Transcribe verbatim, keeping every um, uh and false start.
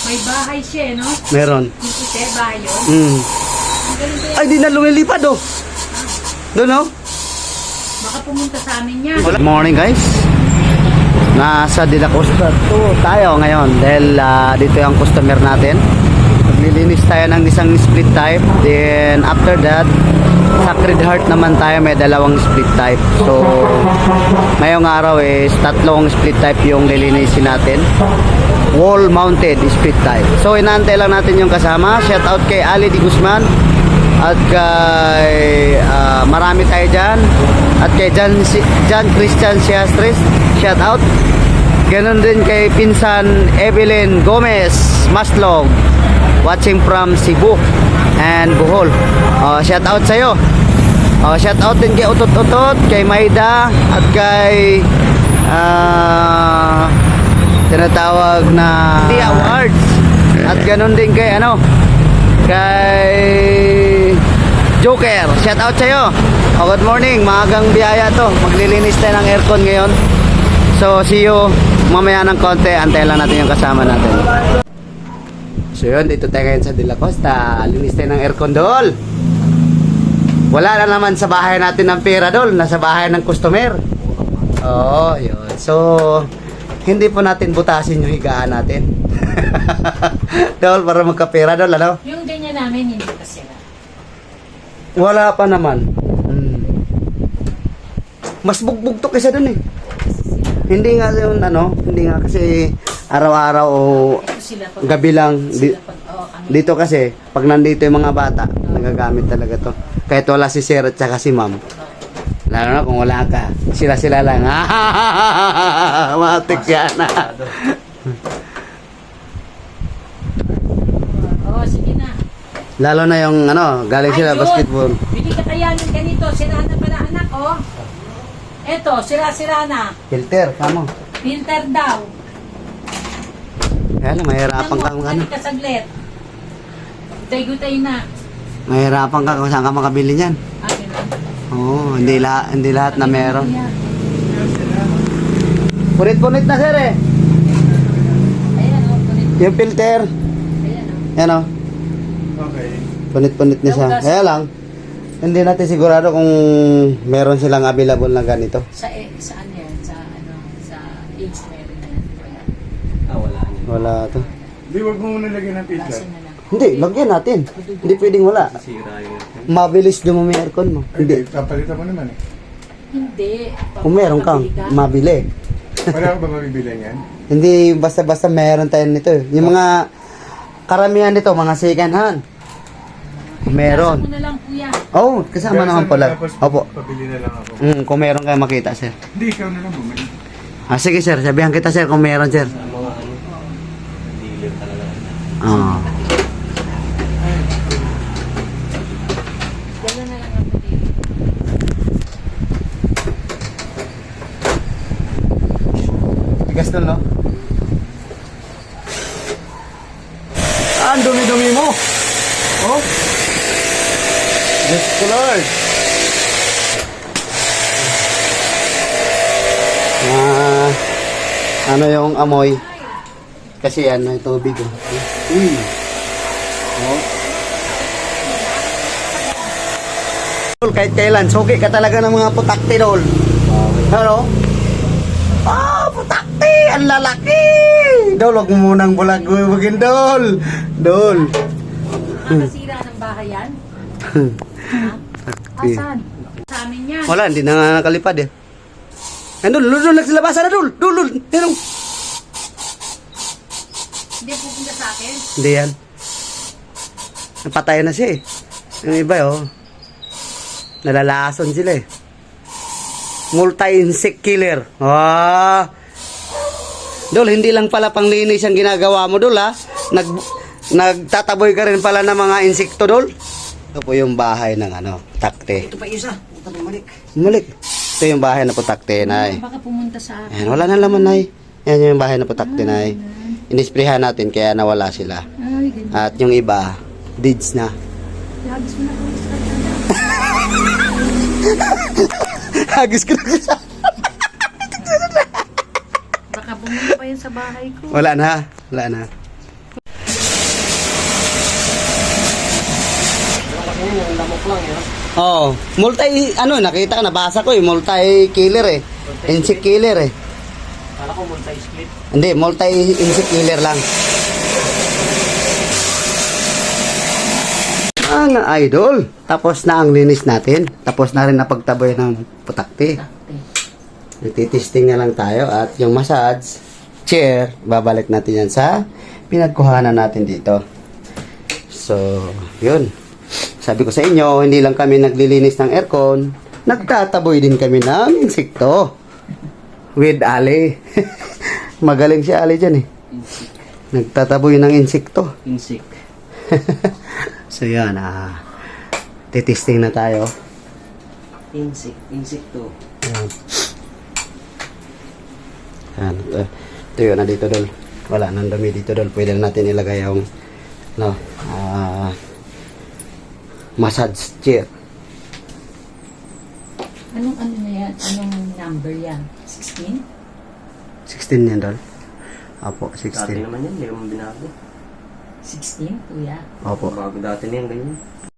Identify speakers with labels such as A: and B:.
A: May bahay siya, eh, no?
B: Meron.
A: Dito siya, bahay yun.
B: Mm.
A: Ang galing kaya.
B: Ay, di na lumilipad oh. Doon oh.
A: Baka pumunta sa amin yan.
B: Good morning guys. Nasa De La Costa to tayo ngayon dahil uh, dito yung customer natin. Maglilinis tayo ng isang split type. Then after that, Sacred Heart naman tayo, may dalawang split type. So ngayong araw is tatlong split type yung lilinisin natin. Wall mounted split type. So inaantay lang natin yung kasama. Shout out kay Ali Di Guzman at kay uh, marami tayo dyan, at kay John, John Christian Siastres, shout out. Ganon din kay pinsan Evelyn Gomez Maslog, watching from Cebu and Bohol. uh, shout out sa'yo. uh, shout out din kay Utot Utot, kay Maida, at kay uh, tinatawag na The Awards, at ganon din kay ano, kay Joker, shout out sa'yo. Oh, good morning, maagang biyaya to. Maglilinis tayo ng aircon ngayon. So see you mamaya ng konti. Antayin lang natin yung kasama natin. So yun, dito tayo ngayon sa De La Costa. Linis tayo ng aircon dol. Wala na naman sa bahay natin ng pera dol. Nasa bahay ng customer. Oo, yun. So hindi po natin butasin yung higaan natin. Dol, para magkapera dol, ano?
A: Yung ganyan namin, hindi pa sila.
B: Wala pa naman. Hmm. Mas bugbog to kaysa dun eh. Hindi nga yun ano, hindi nga kasi araw-araw o
A: Ito sila pag,
B: gabi lang. Di,
A: sila pag, oh, kami.
B: dito kasi, pag nandito yung mga bata, nagagamit talaga to. Kahit wala si Sir at saka si Ma'am. Lalo na kung wala ka, sila-sila lang. Matik yan.
A: Oo, sige na.
B: Lalo na yung ano, galing
A: Ay,
B: sila
A: Jun,
B: basketball.
A: Bili ka kaya ng ganito. Sira na pala anak, oh. Eto, sira-sira na.
B: Filter, kamo.
A: Filter daw.
B: Kaya lang, mahirapan ka
A: Nang
B: kung ano.
A: ka saglit. Gutay-gutay na.
B: Mahirapan ka kung saan ka makabili niyan.
A: Ah, ganun.
B: Oo, hindi lahat, hindi lahat na meron.
A: Ayan,
B: Punit-punit na sir eh.
A: Ayan, oh. Punit.
B: Yung filter.
A: Ayan, oh.
B: Yan o.
C: Okay.
B: Punit-punit na siya. Kaya lang, hindi natin sigurado kung meron silang available na ganito.
A: Sa, eh, saan yan? Sa, ano, sa age meron yan. Wala.
C: Ah, wala niya.
B: Wala to.
C: Di, wag mo muna lagyan ng filter.
A: Lasan na lang.
B: Hindi, lagyan natin. Hindi pwedeng wala.
C: Sira yun.
B: Mabilis dumumi aircon mo.
C: Hindi,
B: Hindi.
C: papalitan mo naman eh.
A: Hindi.
B: Kung meron kang,
A: Papabili ka.
B: mabili.
C: Wala ka ba mabibili niyan?
B: Hindi basta-basta meron tayo nito. Yung mga karamihan nito, mga second hand. Meron.
A: Lasan mo na lang, kuya.
B: Oh, kasama
C: Kaya
B: naman
C: saan
B: pala.
C: tapos
B: Opo.
C: Pabili na lang ako.
B: Mm, kung meron kayo makita, sir.
C: Hindi, ikaw na lang bumili.
B: Ah, sige, sir. Sabihan kita, sir, kung meron, sir.
C: Mga ano, dealer talaga.
B: Ah.
A: Gano'n na lang ang pati.
B: Tigas doon, no? Ah, ang dumi-dumi mo. Oh. Diyos ko, Lord. Ah, ano yung amoy? Kasi ano, yung tubig. Oh. Uy. Oh. Kahit kailan, suki ka talaga ng mga putakti, Dol. Hello? Ah, putakti! Ang lalaki! Dol, huwag mo munang bulag-bugin, Dol. Dol.
A: Nakasira ng bahay yan? Ha? Asan? Sa amin yan.
B: Wala, hindi na nga nakalipad eh. Yan, Dol, Dol, Dol, nagsilabasan na, Dol. Dol, Dol, yan, Dol.
A: Hindi pupunta sa akin.
B: Hindi yan. Napatay na siya eh. Yung iba, oh. Nalalason sila eh. Multi-insect killer. Ah. Dol, hindi lang pala panglinis ang ginagawa mo, Dol, ha? Nag, nagtataboy ka rin pala ng mga insekto, Dol. Ito po yung bahay ng ano, takte.
D: Ito pa isa. Ito pa bumalik.
B: Bumalik. Ito yung bahay na putakte, Nay.
A: Baka pumunta sa akin.
B: Ayan, wala na laman, Nay. Yan yung bahay na putakte, Nay. Inisprehan natin kaya nawala sila.
A: Ay, ganyan.
B: At yung iba, deeds na.
A: Lagis mo na kung sa
B: Hagis ko na siya.
A: Baka pumunta pa yan sa bahay ko.
B: Wala na. Wala na.
D: yung lamok lang yun.
B: Oh, multi, ano, nakita ko, nabasa ko eh, multi-killer eh. Insect killer eh.
D: Kala ko multi-split.
B: Hindi, multi-insect killer lang. Ang idol, tapos na ang linis natin. Tapos na rin napagtaboy ng putakti. Nagtitesting na lang tayo at yung massage chair, babalik natin yan sa pinagkuhanan natin dito. So, yun. Sabi ko sa inyo, hindi lang kami naglilinis ng aircon, nagtataboy din kami ng insekto. With Ali. Magaling si Ali dyan eh. Nagtataboy ng insekto.
D: Insect.
B: So yan, ah, titesting na tayo.
D: Insect. Insect to.
B: Ayan. Ayan, ito, ito yun na dito dol. Wala nang dumi dito dol. Pwede na natin ilagay yung no, ah, massage chair.
A: Anong ano na yan? Anong number yan? sixteen?
B: sixteen yan dol. Opo,
D: Dati
B: sixteen.
D: naman yan, hindi naman binago.
A: sixteen, kuya?
B: Opo.
D: Bago dati na yan, ganyan.